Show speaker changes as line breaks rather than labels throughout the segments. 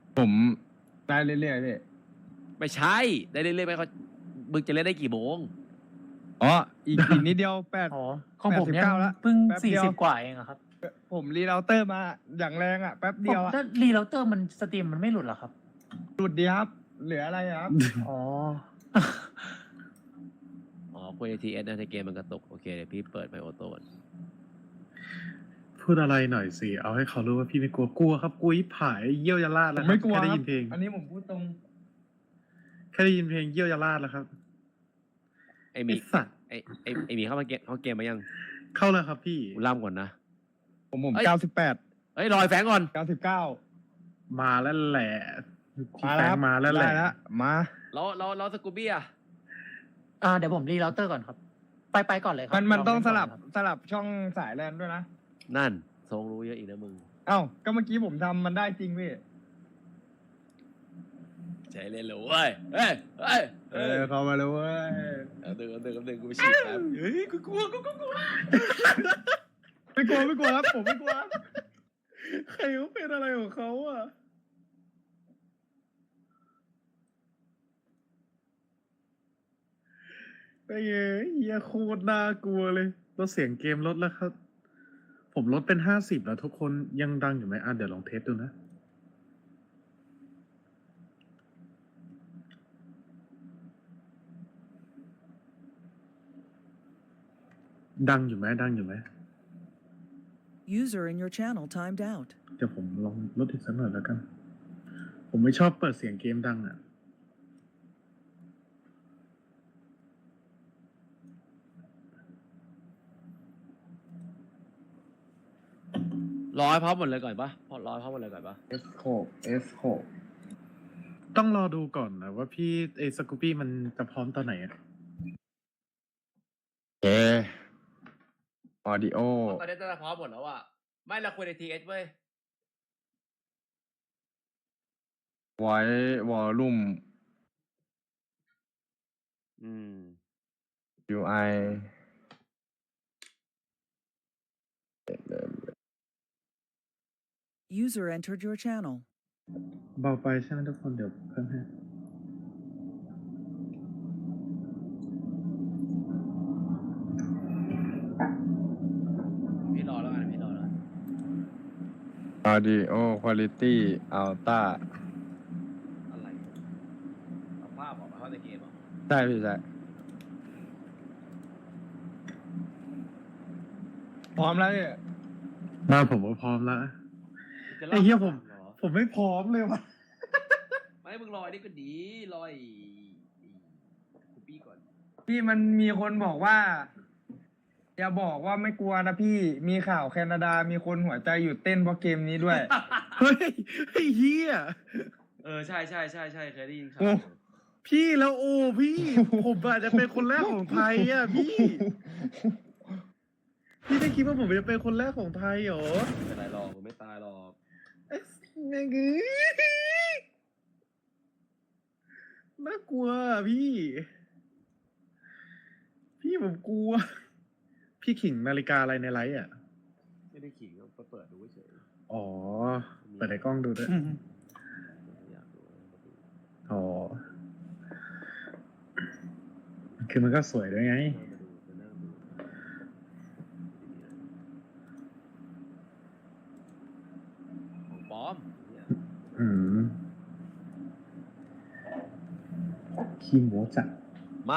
ผมได้เรื่อยๆพี่
ไม่ใช่ได้เรื่อยๆไปเขามึงจะเล่นได้กี่โมง
อ๋ออีกนิดเดียว
อ๋อของผมยัง
89แล้ว
เพิ่ง
แป๊บเดียว
40 กว่าเองอะครับ
ผมรีเราเตอร์มาอย่างแรงอ่ะแป๊บ
ผ
เดีย
ม
วอ่ะ
ถ้ารีเราเตอร์มันสตรีมมันไม่หลุดเหรอครับ
หลุดดีครับ เหลืออะไรครับ
อ๋อ
อ๋อคุยในทีเอสนะในเกมมันกระตุกโอเคเดี๋ยวพี่เปิดไมโอโต้ก่อน
พูดอะไรหน่อยสิ เอาให้เขารู้ว่าพี่ไม่กลัวกลัวครับกลัวยิบหายเยี่ยวยาลาด
ผ
แล้ว
ม
ครับ
ไม่กลัว
แค่ได้
ครั
ยิ
บ
นเพลง
อันนี้ผมพูดตรง
แค่ได้ยินเพลงเยี่ยวยาลาดแล้วครับ
ไอหมี
ไอสัตว์
ไอหมีเข้ามาเกมมายัง
เข้าแล้วครับพี่
กูล่ำก่อนนะ
ผม
เอ้ย
98
เอ้ยรอยแฟงก่อน
99
มาแล้วแหละพี่
มา
แฟ
แล้ว
งมาแล้วแหละ
ได้แล้วมา
เราสกูบี้อะ
เดี๋ยวผมรีเราเตอร์ก่อนครับ ไปก่อนเลยครั
มันต้อง
ล
ส
เล่น
ลับ
ก่อนครับ
สลับช่องสายแลนด้วยนะ
นั่นทรงรู้เยอะอีกนะมึง
เอ้าก็เมื่อกี้ผมทำมันได้จริงพี่
ใช้เล่นเลยเว้ยเฮ้ยเฮ้ย
เข้ามาเลยเว้ย
เอาดึงกูไปฉีดครับเฮ้ยกูกลัว
ไม่กลัวครับผมไม่กลัว
ใครเขาเป็นอะไรของเขาอ่ะไอ้เหี้ยโคตรน่ากลัวเลยลดเสียงเกมลดแล้วครับ ผมลดเป็น50แล้วทุกคนยังดังอยู่ไหมเดี๋ยวลองเทสดูนะ ดังอยู่ไหม
User in your channel timed out.
เดี๋ยวผมลองลดอีกสักหน่อยแล้วกัน ผมไม่ชอบเปิดเสียงเกมดังอ่ะ
รอให้พร้อมหมดเลยก่อนปะรอให้พร้อมหมดเลยก่อนปะ
S6
ต้องรอดูก่อนนะว่าพี่สกูปี้มันจะพร้อมตอนไหนอะ
เอออดิโอ
ตอนนี้จะพร้อมหมดแล้วอะไม่เราคุยในทีเอสเว้ย
ไว้วอลลุ่ม UI
User entered your channel.
เบาไปใช่ไหมทุกคนเดี๋ยวเพิ่มให้
พี่รอแล้วกันพี่รอแล้ว
Audio Quality Ultra
อะไรเอาภาพออกมาเข้าในเกมเหรอ
ใช่พี่ใช่พร้อมแล้วเนี่ย
ผมว่าพร้อมแล้ว
จะ
ไอ้เหี้ยผม
หรอ
ผมไม่พร้อมเลยว่ะ
ไม่มึงรอไอ้นี่ก็ดีรอไอ้คูปี้ก่อน
พี่มันมีคนบอกว่า อย่าบอกว่าไม่กลัวนะพี่มีข่าวแคนาดามีคนหัวใจหยุดเต้นเพราะเกมนี้ด้วย
เฮ้ยไอ้เหี้ย
ใช่เคยได้ยินข่า
โอ้
ว
พี่แล้วโอ้พี่ ผมอาจจะเป็นคนแรกของไทยอ่ะพี่ พี่ได้คิดว่าผมจะเป็นคนแรกของไทยเหรอ
ไม่เป็นไรหรอกมึงไม่ตายหรอก
ไอ้แม่งเอ้ยน่ากลัวอะพี่ พี่ผมกลัว พี่ขิงนาฬิกาอะไรในไลฟ์อ่ะ
ไม่ได้ขิงก็เปิดดูเฉย
อ๋อ เปิดในกล้องดูด้วย
อยากดู
อ๋อ คือมันก็สวยด้วยไง
มานั่งดูของปลอมเนี่ย
อืมขี้โม้จัด
มา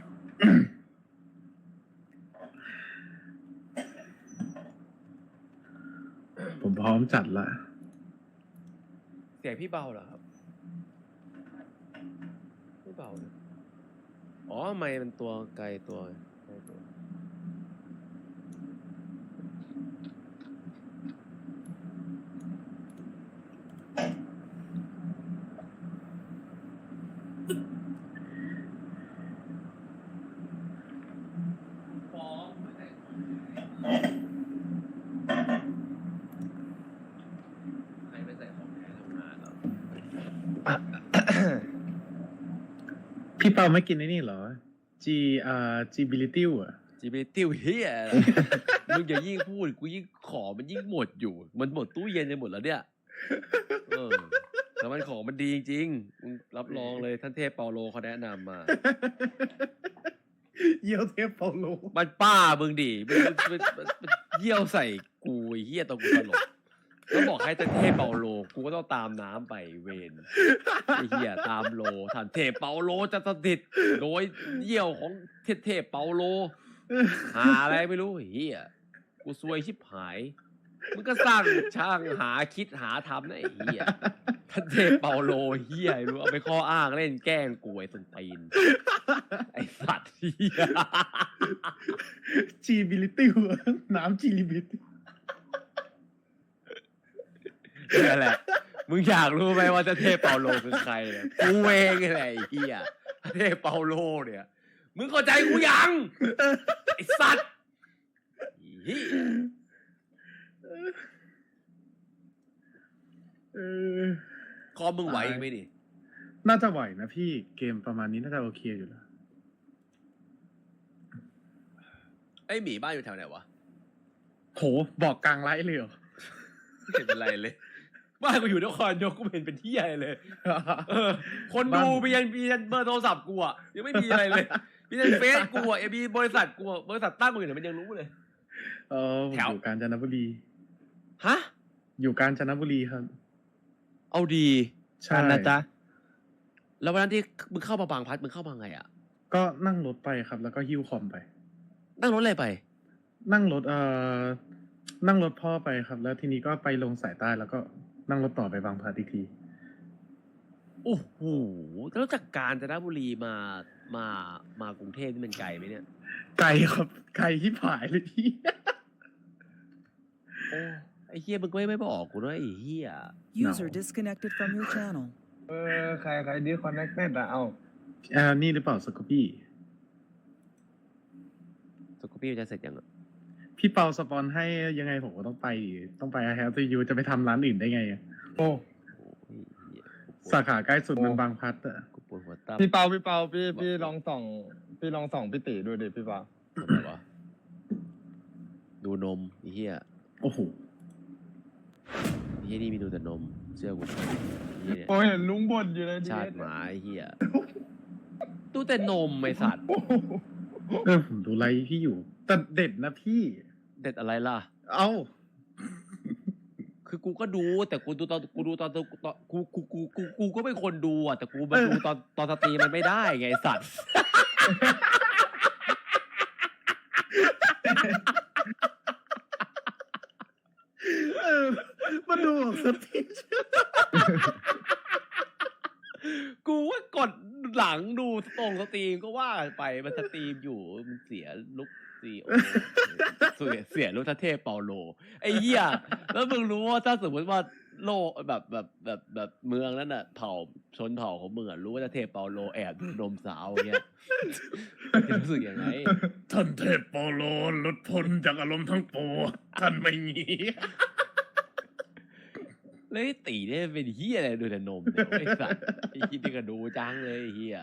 ผมพร้อมจัดละ
เสียงพี่เบาเหรอครับไม่เบาเลยอ๋อไม่มันตัวไกลตัวฟ้องไม่ได้ใครไม่ใส่ของแท้ทำงานหรอ
พี่เปาไม่กินไอ้นี่เหรอ Gbility อ่ะ
จีบีติ้วเฮียอะไร มึงอย่ายิ่งพูดกูยิ่งขอมันยิ่งหมดอยู่ มันหมดตู้เย็นไปหมดแล้วเนี่ย เออทแต่มันของมันดีจริงๆมึงรับรองเลยท่านเทพเปาโลเขาแนะนำมา
เยี่ยวเทพเปาโล
มันป้ามึงดิมันเยี่ยวใส่กูไอ้เหี้ยตอนกูตลกแล้วบอกให้ท่านเทพเปาโลกูก็ต้องตามน้ำไปเวนไอ้เหี้ยตามโลท่านเทพเปาโลจะสถิตโดยเยี่ยวของเทพเปาโลหาอะไรไม่รู้ไอ้เหี้ยกูซวยชิบหายมึงก็สร้างช่างหาคิดหาทำนะไอ้เหี้ยท่านเทพเปาโลเหี้ยรู้เอาไปข้ออ้างเล่นแกล้งกูไอ้ส้นตีนไอ้สัตว์เหี้ย
จีบิลิตี้หัวน้ำจีลิบิตี้
นี่นแหละ มึงอยากรู้ไหมว่าเจ้าเทพเปาโลคือใครเนี่ยกูเองนี่แหละไอ้เหี้ยเทพเปาโลเนี่ย มึงเข้าใจกูยังไอ้สัตว์เหี้ย คอมมึงไหวอีกไหมดิ
น่าจะไหวนะพี่เกมประมาณนี้น่าจะโอเคอยู่แล้ว
ไอ้หมีบ้านอยู่แถวไหนวะ
โหบอกกลางไลฟ์เลยเหรอ
ไม่เป็นไรเลย บ้านกูอยู่นครนายกกูเห็นเป็นที่ใหญ่เลย คนดูมียันเบอร์โทรศัพท์กูอ่ะยังไม่มีอะไรเลยมียันเฟซกูอ่ะมีบริษัทกูอ่ะบริษัทตั้งกูอยู่ไหนมันยังรู้เลย
ผม
แถว
อยู่กาญจนบุรี
ฮะ
อยู่กาญจนบุรีครับ
เอาดี
ใช่
นะจ๊ะ
แล้ววันนั้นที่มึงเข้ามาบางพลัดมึงเข้ามาไงอ่ะ
ก็นั่งรถไปครับ แล้วก็หิ้วคอมไป
นั่งรถอะไรไป
นั่งรถนั่งรถพ่อไปครับ แล้วทีนี้ก็ไปลงสายใต้แล้วก็นั่งรถต่อไปบางพลัดอีกที
โอ้โหแล้วจากกาญจนบุรีมากรุงเทพนี่มันไกลไหมเนี่ย
ไกลครับไกลที่ผายเลยพี่
โอ้ไอ้เฮียมึงก็ไม่บอกกูด้วยไอ้เฮีย
User disconnected from your channel.
ใครดิคอนเนคเต็ดอะเอา
นี่หรือเปล่าสกอปี้
สกูปี้จะเสร็จยังอ่ะ
พี่เปาสปอนให้ยังไงผมก็ต้องไปแฮปปี้ยูจะไปทำร้านอื่นได้ไงอะ
โอ้
โอ้ยเหี้ย
สาขาใกล้สุดมันบางพลัดอะ
กูปวดหัวตั้ม
พี่เปาพี่ลองส่องพี่ติดูดิพี่เปา
ทำไมวะดูนมไอ้เฮีย
โอ้โห
ไอ้เฮียนี่มีดูแต่นมเชื่อกูไอ้เฮียเนี่ย
โอ้เห็นลุงบ่นอยู่เลย
ชาติหมาไอ้เฮียดูแต่นมไอ้สัตว์
ผมดูไลฟ์พี่อยู่แต่เด็ดนะพี่
เด็ดอะไรล่ะ
เอ้า
คือกูก็ดูแต่กูดูตอนกูก็เป็นคนดูอ่ะแต่กูมาดูตอนสตรีมมันไม่ได้ไงไอ้สัตว์
มาดูสตรีม
กูว่ากดหลังดูตรงสตรีมก็ว่าไปมันสตรีมอยู่มันเสียลุกซีโอเสียลุกทเทพเปาโลไอ้เหี้ยแล้วมึงรู้ว่าถ้าสมมติว่าโลกแบบเมืองนั้นน่ะเผ่าชนเผ่าของมึงอ่ะรู้ว่าทเทพเปาโลแอบดูนมสาวเงี้ยรู้สึกยังไง
ท่านเทพโปโลหลุดพ้นจากอารมณ์ทั้งปวงท่านไม่หนี
แล้วไอ้ตีเนี่ยเป็นเหี้ยอะไรดูแต่นมเนี่ยไอ้สัตว์ไอ้คิดที่ก็ดูจังเลยไอ้เหี้ย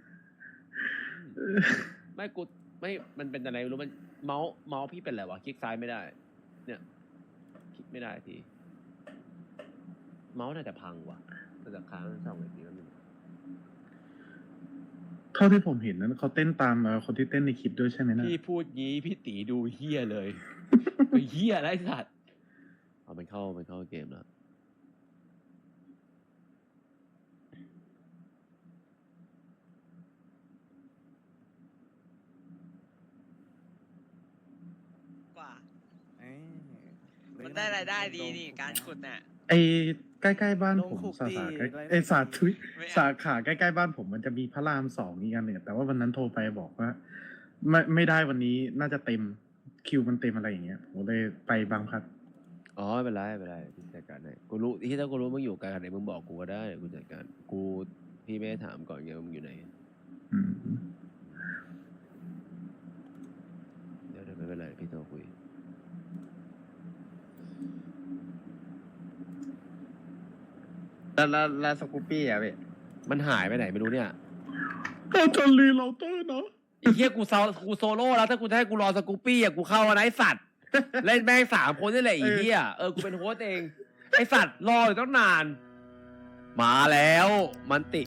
ไม่มันเป็นอะไรไม่รู้มันเมาส์พี่เป็นอะไรวะคลิกซ้ายไม่ได้ เนี่ยคลิกไม่ได้ทีเมาส์น่าจะพังว่ะน่าจะค้างช่องไหนทีแล้วนึง
เท่าที่ผมเห็นนั้นเขาเต้นตามคนที่เต้นในคลิปด้วยใช่ไหมนะ
พี่พูดงี้พี่ตีดูเหี้ยเลยไอ้เหี้ยอะไรสัตว์เอามันเข้าเกมแล้ว
กว่า มันได้รายได้ดีนี่การขุดน่ะ
ไอ้ใกล้ๆบ้าน
ลง
ผม
คุก
สา
ดี
ขาใกล้
ไร
ไอ้สาธุย
ไม่เอา
สาขาใกล้ๆบ้านผมมันจะมีพระราม2อีกอันหนึ่งแต่ว่าวันนั้นโทรไปบอกว่า ไม่ได้วันนี้น่าจะเต็มคิวมันเต็มอะไรอย่างเงี้ยผมเลยไปบางพลัด
อ๋อไม่เป็นไรพี่จัดการให้กูรู้ที่ถ้ากูรู้มึงอยู่ไกลขนาดไหนมึงบอกกูก็ได้กูจัดการกูพี่ไม่ได้ถามก่อนไงว่ามึงอยู่ไหน
อืม
เดี๋ยวไม่เป็นไรพี่โทรคุย
แล้วสกูปปี้อะพี่
มันหายไปไหนไม่รู้เนี่ย
เอาจนรีเราเตอร์เนาะ
ไอ้เหี้ยกูโซโล่แล้วถ้ากูจะให้กูรอสกูปปี้อ่ะกูเข้าอะนะไอ้สัตว์เล่นแม่ง3 คนนี่แหละไอ้เหี้ยกูเป็นโฮสต์เองไอ้สัตว์รออยู่ตั้งนานมาแล้วมันติ